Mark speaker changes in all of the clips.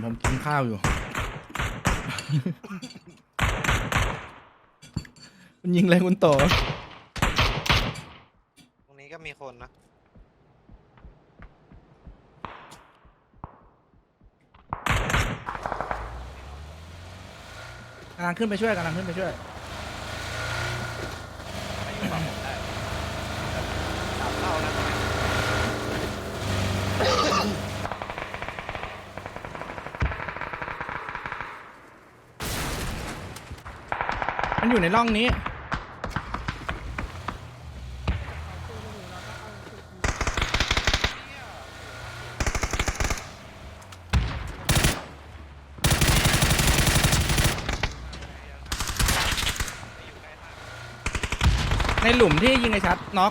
Speaker 1: ผมกินข้าวอยู่ คุณยิงอะไรคุณโต
Speaker 2: ตรงนี้ก็มีคนนะ
Speaker 1: กำลังขึ้นไปช่วยกำลังขึ้นไปช่วย
Speaker 2: ไม่อยู่ฝั่งผมได้สามเท่านะ
Speaker 1: มันอยู่ในร่องนี้ในหลุมที่ยิงไอ้ชัดน็อก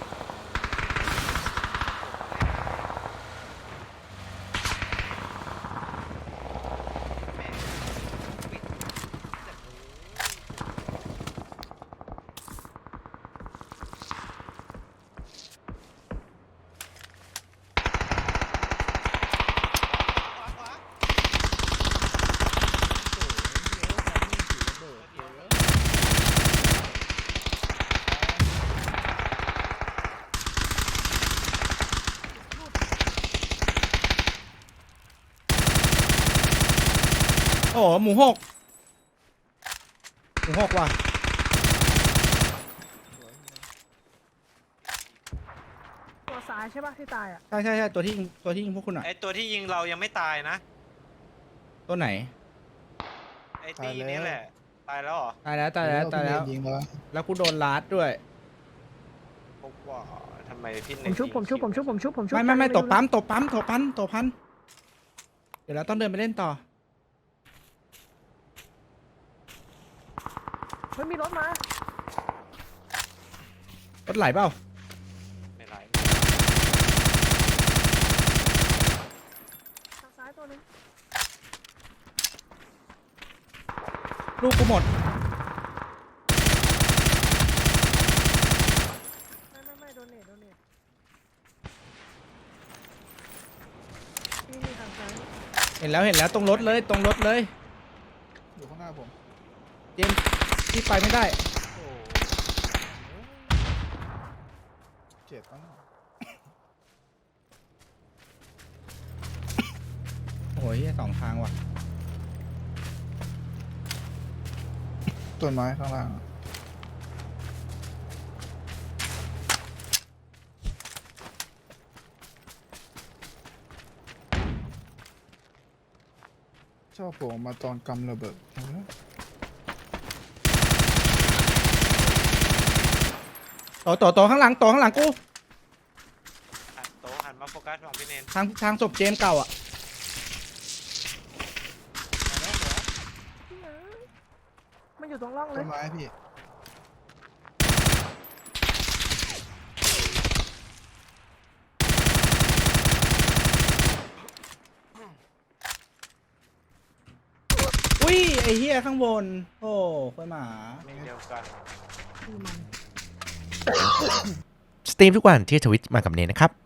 Speaker 1: โอ้หมูหกว่ะ
Speaker 3: ตัวซ้ายใช่ป่ะที่ตายอ่ะ
Speaker 1: ใช่ตัวที่ยิงพวกคุณอ่ะ
Speaker 2: ไอตัวที่ยิงเรายังไม่ตายนะ
Speaker 1: ตัวไหน
Speaker 2: ไอตีนี้แหละ ตายแล้วเหรอ
Speaker 1: ตายแล้ว
Speaker 4: ยิงแล้ว
Speaker 1: แล้วกูโดนลาดด้วย
Speaker 2: พบว่าทำไมพี่
Speaker 3: ผมชุบ
Speaker 1: ไม่ตบปั๊มเดี๋ยวเราต้องเดินไปเล่นต่อ
Speaker 3: เฮ้ยมีรถมาร
Speaker 1: ถไหลเปล่า
Speaker 2: ไม่ไร
Speaker 3: ทางซ้ายตัวนึง
Speaker 1: ลูกกูหมด
Speaker 3: ไม่โดนเนตนี่ทางซ้าย
Speaker 1: เห็นแล้วตรงรถเลย
Speaker 4: อยู่ข้างหน้าผม
Speaker 1: เจมส์ที่ไปไม่ได้
Speaker 4: โอ้เจ็บมาก
Speaker 1: โอ้ยสองทางว่ะ
Speaker 4: ต้นไม้ข้างล่างชอบผมมาตอนกำระเบิด
Speaker 1: โตข้างหลังกู
Speaker 2: หันโต๊ะหันมาโฟกัสฝั่งพี่เนน
Speaker 1: ทางศพเจมส์เก่าอ่ะ
Speaker 3: มันอยู่ตรงร่องเล
Speaker 4: ต้
Speaker 3: ย
Speaker 4: นไม้พี่
Speaker 1: อุ้ยไอ้เหี้ยข้างบน โอ้ค่อยหมา
Speaker 2: ไม่เดียวกัน
Speaker 3: คือมัน
Speaker 5: สตรีมทุกวันที่ทวิตมากับเนนนะครับ